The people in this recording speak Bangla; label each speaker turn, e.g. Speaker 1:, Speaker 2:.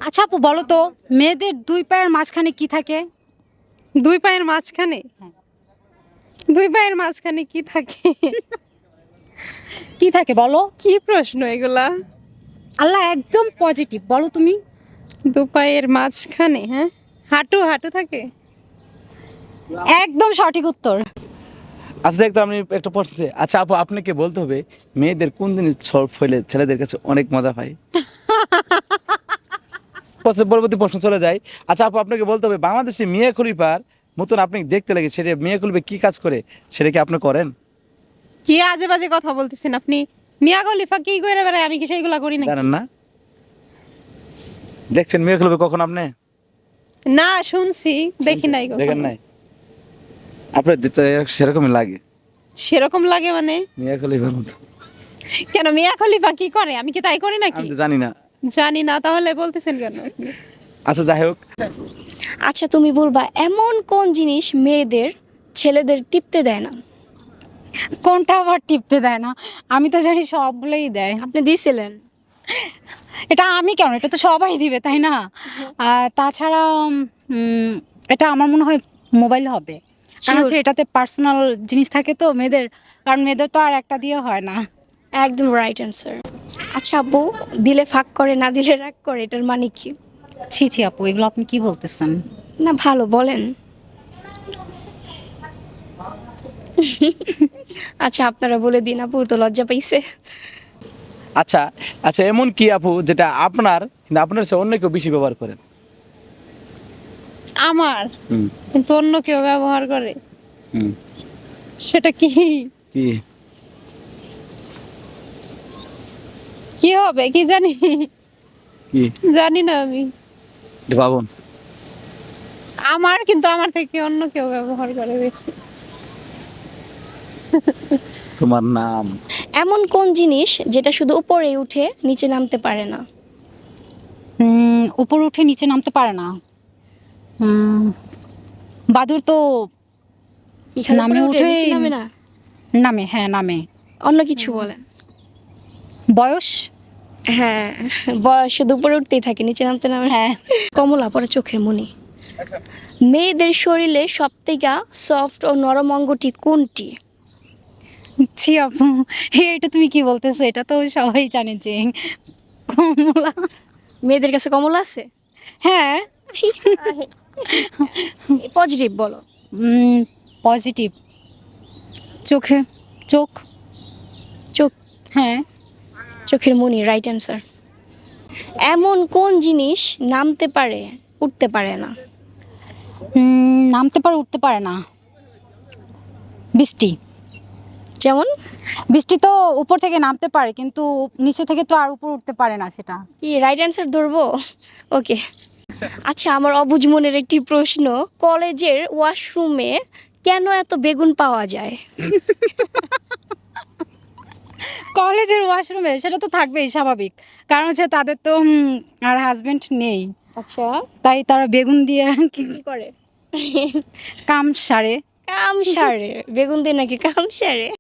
Speaker 1: আচ্ছা আপু বলো তো, মেয়েদের দুই পায়ের মাঝখানে কি থাকে?
Speaker 2: দুই পায়ের মাঝখানে?
Speaker 1: হ্যাঁ।
Speaker 2: দুই পায়ের মাঝখানে কি থাকে?
Speaker 1: কি থাকে বলো?
Speaker 2: কি প্রশ্ন এগুলা?
Speaker 1: আল্লাহ একদম পজিটিভ, বলো তুমি।
Speaker 2: দু পায়ের মাঝখানে, হ্যাঁ, হাঁটু হাঁটু থাকে।
Speaker 1: একদম সঠিক উত্তর।
Speaker 3: আচ্ছা দেখতো আমি একটা প্রশ্ন চাই। আচ্ছা আপু আপনাকে বলতে হবে মেয়েদের কোন জিনিস সব ফেলে ছেলেদের কাছে অনেক মজা পায়। পরবর্তী প্রশ্ন চলে যায়। আচ্ছা আপু আপনাকে বলতে হবে বাংলাদেশে মিয়া খলিফার মতন আপনি দেখতে লাগে সেটা মিয়া খলিফা কি কাজ করে সেটা কি আপনি করেন?
Speaker 2: কি আজে বাজে কথা বলতেছেন আপনি? মিয়া খলিফা কি করে বেড়ায়, আমি কি সেইগুলা করি নাকি?
Speaker 3: জানেন না? দেখছেন মিয়া খলিফা কখন আপনি?
Speaker 2: না, শুনছি, দেখি নাই
Speaker 3: দেখেন
Speaker 2: কখনো।
Speaker 3: নাই? আপনার দিতে সেরকমই লাগে
Speaker 2: সেরকম লাগে মানে?
Speaker 3: মিয়া খলিফার মতো।
Speaker 2: কেন, মিয়া খলিফা কি করে, আমি কি তাই করি নাকি?
Speaker 3: আমি তো জানি না।
Speaker 2: জানি না, তাহলে বলতেছেন কেন আপনি?
Speaker 3: আচ্ছা যাই হোক,
Speaker 4: আচ্ছা তুমি বলবা এমন কোন জিনিস মেয়েদের ছেলেদের টিপতে দেয় না?
Speaker 1: কোনটা আবার টিপতে দেয় না? আমি তো জানি সবগুলোই দেয়।
Speaker 4: আপনি দিয়েছিলেন।
Speaker 1: এটা আমি কেন, এটা তো সবাই দিবে তাই না? আর তাছাড়া এটা আমার মনে হয় মোবাইল হবে, কারণ
Speaker 4: Sure.
Speaker 1: হচ্ছে এটাতে পার্সোনাল জিনিস থাকে তো মেয়েদের, কারণ মেয়েদের তো আর একটা দিয়ে হয় না।
Speaker 4: একদম রাইট অ্যান্সার। আচ্ছা আপু, দিলে ফাঁক করে না দিলে রাগ করে, এটার মানে কি?
Speaker 1: ছি ছি আপু, এগুলো আপনি কি বলতেছেন?
Speaker 4: না ভালো বলেন। আচ্ছা আপনারা বলে দিন, আপু তো লজ্জা পাইছে।
Speaker 3: আচ্ছা আচ্ছা এমন কি আপু যেটা আপনার কিন্তু আপনার সে অন্য কেউ বেশি ব্যবহার করেন?
Speaker 2: আমার
Speaker 3: হুম
Speaker 2: কিন্তু অন্য কেউ ব্যবহার করে,
Speaker 3: হুম
Speaker 2: সেটা কি?
Speaker 3: কি?
Speaker 2: কি হবে কি জানি,
Speaker 3: কি
Speaker 2: জানি না আমি।
Speaker 3: এটা ভাবুন।
Speaker 2: আমার কিন্তু আমার থেকে অন্য কেউ ব্যবহার করে বেশি।
Speaker 3: তোমার নাম?
Speaker 4: এমন কোন জিনিস যেটা শুধু উপরে উঠে নিচে নামতে পারে না?
Speaker 1: উপর উঠে নিচে নামতে পারে না। বাদুর তো
Speaker 4: কি খালি
Speaker 1: নামে
Speaker 4: উপরে উঠে
Speaker 1: উঠে
Speaker 4: নিচে নামে না?
Speaker 1: নামে, হ্যাঁ নামে।
Speaker 4: অন্য কিছু বলেন।
Speaker 1: বয়স।
Speaker 4: হ্যাঁ, বয়স শুধু উপরে উঠতেই থাকে, নিচে নামতে নামে।
Speaker 1: হ্যাঁ।
Speaker 4: কমলা পরে চোখের মনি। মেয়েদের শরীরে সবথেকে সফট ও নরম অঙ্গটি কোনটি?
Speaker 1: ছি আপু, এটা তুমি কি বলতেছো? এটা তো সবাই জানে যে কমলা।
Speaker 4: মেয়েদের কাছে কমলা আছে?
Speaker 1: হ্যাঁ।
Speaker 4: পজিটিভ বলো।
Speaker 1: পজিটিভ। চোখে, চোখ।
Speaker 4: চোখ।
Speaker 1: হ্যাঁ।
Speaker 4: চোখের মনি রাইট অ্যান্সার। এমন কোন জিনিস নামতে পারে উঠতে পারে না?
Speaker 1: নামতে পারে উঠতে পারে না। বৃষ্টি।
Speaker 4: যেমন?
Speaker 1: বৃষ্টি তো উপর থেকে নামতে পারে কিন্তু নিচে থেকে তো আর উপর উঠতে পারে না সেটা।
Speaker 4: কি রাইট অ্যান্সার ধরবো? ওকে। আচ্ছা আমার অবুঝ মনের একটি প্রশ্ন, কলেজের ওয়াশরুমে কেন এত বেগুন পাওয়া যায়?
Speaker 1: কলেজের ওয়াশরুমে সেটা তো থাকবেই স্বাভাবিক, কারণ হচ্ছে তাদের তো আর হাজবেন্ড নেই,
Speaker 4: আচ্ছা
Speaker 1: তাই তারা বেগুন দিয়ে কি
Speaker 4: কি করে?
Speaker 1: কাম সারে।
Speaker 4: কাম সারে? বেগুন দিয়ে নাকি কাম সারে?